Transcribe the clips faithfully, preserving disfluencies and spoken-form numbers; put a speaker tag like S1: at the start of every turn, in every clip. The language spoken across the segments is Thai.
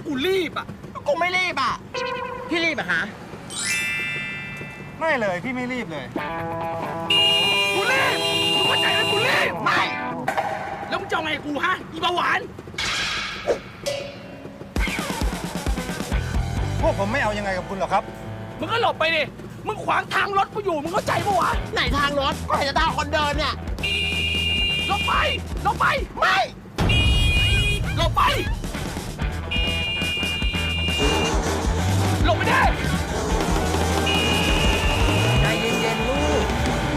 S1: กูรีบอ่ะกูไม่รีบอ่ะพี่รีบอะฮะ
S2: ไม่เลยพี่ไม่รีบเลย
S1: กูรีบมึงเข้าใจไหมกูรีบไม่แล้วมึงจะเอาไงกูฮะอีเบาหวาน
S2: พวกผมไม่เอายังไงกับคุณหรอกครับ
S1: มึงก็หลบไปดิมึงขวางทางรถกูอยู่มึงเข้าใจปะวะไหนทางรถก็เห็นจะทางคนเดินเนี่ยหลบไปหลบไปไม่หลบไปหลบไปได้
S3: ใจเย็นๆลูก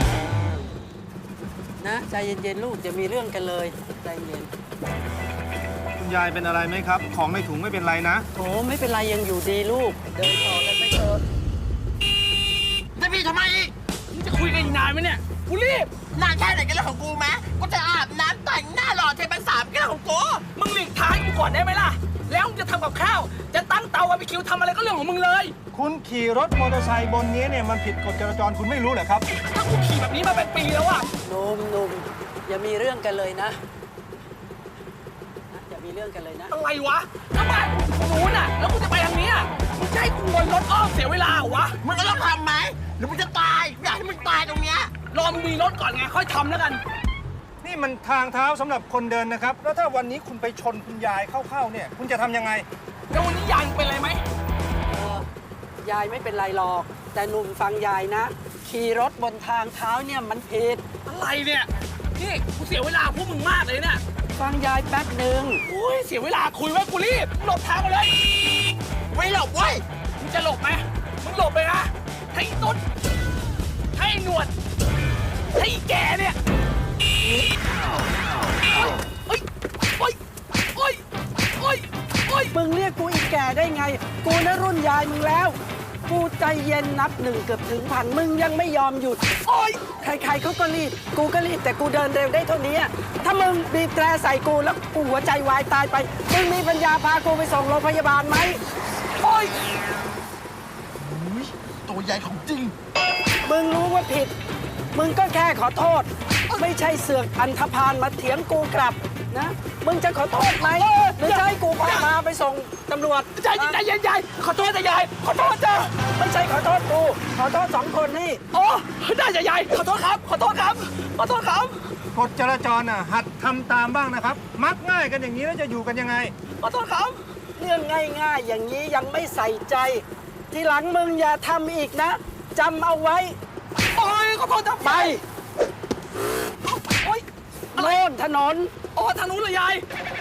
S3: นะใจเย็นๆลูกจะมีเรื่องกันเลยใจเย็น
S2: คุณยายเป็นอะไรไหมครับของในถุงไม่เป็นไรนะ
S3: โอ้ไม่เป็นไรยังอยู่ดีลูกเดินต่อกันไปเถอะ
S1: จะพี่ทำไมอีกมึงจะคุยกันอีกนานไหมเนี่ยกูรีบนานแค่ไหนกันเรื่องของกูไหมกูจะอาบน้ำแต่งหน้าหล่อเทเป็นสามกันเรื่องของกูมึงหลีกทางกูก่อนได้ไหมล่ะแล้วมึงจะทำกับข้าวจะตั้งเตาบาร์บีคิวทำอะไรก็เรื่องของมึงเลย
S2: คุณขี่รถมอเตอร์ไซค์บนนี้เนี่ยมันผิดกฎจราจรคุณไม่รู้เหรอครับ
S1: ถ้ากูขี่แบบนี้มาเป็นปีแล้วอะ
S3: หนุ่มหนุ่มอย่ามีเรื่องกันเลยนะอย่ามีเรื่องกันเลยนะ
S1: อะไรวะถ้าบ้านกูรู้น่ะแล้วกูจะไปทางนี้อ่ะมึงจะให้กูวนรถอ้อมเสียเวลาเหรอวะมึงก็ต้องทำไหมหรือมึงจะตายอยากให้มึงตายตรงเนี้ยรอมึงมีรถก่อนไงค่อยทำแล้วกัน
S2: นี่มันทางเท้าสำหรับคนเดินนะครับแล้วถ้าวันนี้คุณไปชนคุณยายเข้าๆเนี่ยคุณจะทำยังไง
S1: แล้ววันนี้ยายเป็นอะไรไหม
S3: เออยายไม่เป็นไรหรอกแต่หนุ่มฟังยายนะขี่รถบนทางเท้าเนี่ยมันผิด
S1: อะไรเนี่ยนี่กูเสียเวลาพวกมึงมากเลยเนี่ย
S3: ฟังยายแป๊บหนึ่ง
S1: โอ้ยเสียเวลาคุยไว้กูรีบหลบทางมาเลยไม่หลบเว้ยมึงจะหลบไหมมึงหลบไปนะให้ตุ๊ดให้หนวดให้แกเนี่ยโอ๊ยโอ๊ยโอ๊ยโอ๊ยโอ๊ย
S3: มึงเรียกกูอีกแก่ได้ไงกูนะรุ่นยายมึงแล้วกูใจเย็นนับหนึ่งเกือบถึงพันมึงยังไม่ยอมหยุด
S1: โอ๊ย
S3: ใครๆเขาก็รีบกูก็รีบแต่กูเดินเร็วได้เท่านี้ถ้ามึงบีบแตรใส่กูแล้วกูหัวใจวายตายไปมึงมีปัญญาพากูไปส่งโรงพยาบาลไหม
S1: โอ๊ยตัวใหญ่ของจริง
S3: มึงรู้ว่าผิดมึงก็แค่ขอโทษไม่ใช่เสือกอันธพาลมาเถียงกูกลับนะมึงจะขอโทษไหมหรือจะให้กูพามาไปส่งตำรวจ
S1: ใจเย็นใจเย็นใจขอโทษแต่ยายขอโทษจ้ะ
S3: ไม่ใช่ขอโทษกูขอโทษสองคนนี่
S1: โอ้ได้จ้ะยายขอโทษครับขอโทษครับขอโทษครับ
S2: กฎจราจรน่ะหัดทำตามบ้างนะครับมักง่ายกันอย่างนี้แล้วจะอยู่กันยังไง
S1: ขอโทษครับ
S3: เรื่องง่ายๆอย่างนี้ยังไม่ใส่ใจทีหลังมึงอย่าทำอีกนะจำเอาไว้
S1: โอ้ยขอโทษจ้ะ
S3: ไป
S1: โอ้ย
S3: โน่นถนน
S1: อ๋อทางนู้นเลยยาย